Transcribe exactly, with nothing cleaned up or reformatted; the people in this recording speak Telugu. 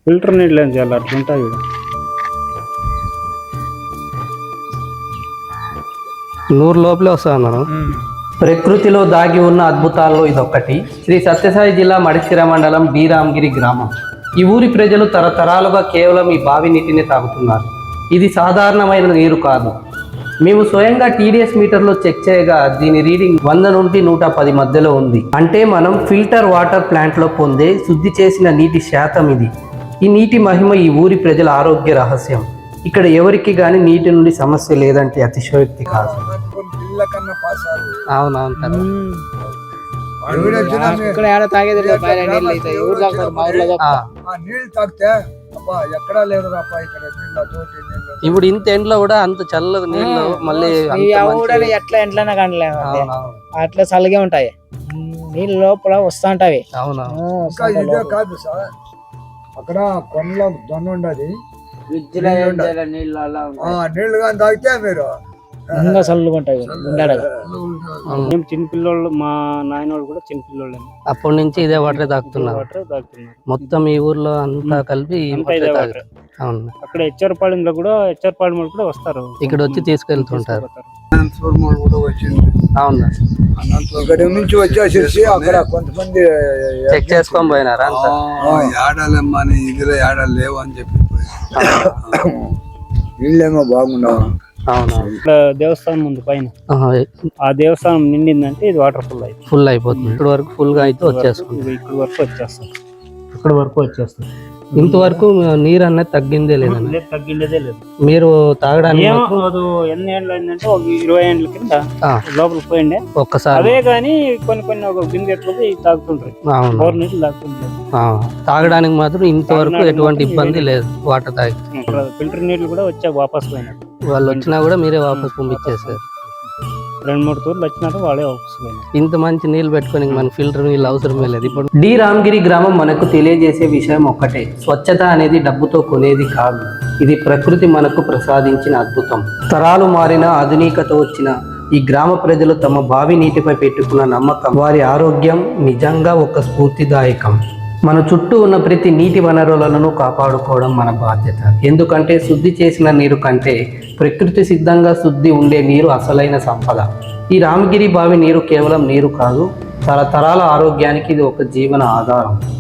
ఫిల్టర్ నీళ్ళు ఏం చేయాలి అట్లుంటాయి. నూరు లోపలే వస్తా అన్నాను. ప్రకృతిలో దాగి ఉన్న అద్భుతాల్లో ఇదొక్కటి. శ్రీ సత్యసాయి జిల్లా మడిసిర మండలం బి రామగిరి గ్రామం. ఈ ఊరి ప్రజలు తరతరాలుగా కేవలం ఈ బావి నీటిని తాగుతున్నారు. ఇది సాధారణమైన నీరు కాదు. మేము స్వయంగా టీడీఎస్ మీటర్లో చెక్ చేయగా దీని రీడింగ్ వంద నుండి నూట పది మధ్యలో ఉంది. అంటే మనం ఫిల్టర్ వాటర్ ప్లాంట్లో పొందే శుద్ధి చేసిన నీటి శాతం ఇది. ఈ నీటి మహిమ ఈ ఊరి ప్రజల ఆరోగ్య రహస్యం. ఇక్కడ ఎవరికి కానీ నీటి నుండి సమస్య లేదంటే అతిశయోక్తి కాదు. అవునవును కదా. ఇప్పుడు ఇంత ఎండ్లో కూడా అంత చల్లగా నీళ్ళు మళ్ళీ ఎట్లా ఎంట్లనే కానీ అట్లా చల్లగే ఉంటాయి నీళ్ళు లోపల వస్తా ఉంటాయి. అవునా కాదు సార్, అక్కడ కొండలో దొన్న ఉండదు, నీళ్లు కానీ తాగితే మీరు ఇంకా చల్లగా ఉంటాయి. మేము చిన్నపిల్లోళ్ళు, మా నాయన వాళ్ళు కూడా చిన్నపిల్లోళ్ళు. అప్పటి నుంచి ఇదే వాటర్ తాగుతున్నారు. మొత్తం ఈ ఊర్లో అంతా కలిపి అవును. అక్కడ హెచ్చరపాళెంలో కూడా హెచ్చరపాళెం కూడా వస్తారు, ఇక్కడ వచ్చి తీసుకెళ్తుంటారు. అవును, ఇక్కడ నుంచి వచ్చేసి అక్కడ కొంతమంది చెక్ చేసుకొని పోయినారా అంతా? ఏడాలమ్మా ఇదిలో ఏడాలు లేవు అని చెప్పి నీళ్ళేమో బాగుండవు. ఇక్కడ దేవస్థానం ఉంది పైన, ఆ దేవస్థానం నిండిందంటే ఇది వాటర్ ఫుల్ అయితే ఫుల్ అయిపోతుంది. ఇక్కడ వరకు ఫుల్ గా అయితే వచ్చేస్తుంది. ఇక్కడ వరకు వచ్చేస్తుంది, ఇక్కడ వరకు వచ్చేస్తుంది. ఇంతవరకు నీరు అనేది తగ్గిందే లేదండి? తగ్గిండేదే లేదు. మీరు తాగడానికి ఎన్ని ఏళ్ళు అయిందంటే ఒక ఇరవై ఏళ్ళ కింద లోపలికి పోయిండే ఒక్కసారి. అదే కానీ కొన్ని కొన్ని ఒక బిందెట్లకి తాగుతుంటారు, బోర్ నీళ్ళు తాగుతుంటారు. తాగడానికి మాత్రం ఇంతవరకు ఎటువంటి ఇబ్బంది లేదు. వాటర్ తాగి ఫిల్టర్ నీళ్ళు కూడా వచ్చా వాపస్ పోయినారు. వాళ్ళు వచ్చినా కూడా మీరే వాపస్ పంపించేసారు. రెండు మూడు తూర్లు వచ్చినారు, వాళ్ళే వాపస్ పోయినారు. ఇంత మంచి నీళ్ళు పెట్టుకొని మన ఫిల్టర్ నీళ్ళు అవసరమే లేదు. ఇప్పుడు డి రామగిరి గ్రామం మనకు తెలియజేసే విషయం ఒక్కటే, స్వచ్ఛత అనేది డబ్బుతో కొనేది కాదు. ఇది ప్రకృతి మనకు ప్రసాదించిన అద్భుతం. తరాలు మారిన ఆధునికత వచ్చిన ఈ గ్రామ ప్రజలు తమ బావి నీటిపై పెట్టుకున్న నమ్మకం, వారి ఆరోగ్యం నిజంగా ఒక స్ఫూర్తిదాయకం. మన చుట్టూ ఉన్న ప్రతి నీటి వనరులను కాపాడుకోవడం మన బాధ్యత. ఎందుకంటే శుద్ధి చేసిన నీరు కంటే ప్రకృతి సిద్ధంగా శుద్ధి ఉండే నీరు అసలైన సంపద. ఈ రామగిరి బావి నీరు కేవలం నీరు కాదు, తరతరాల ఆరోగ్యానికి ఇది ఒక జీవన ఆధారం.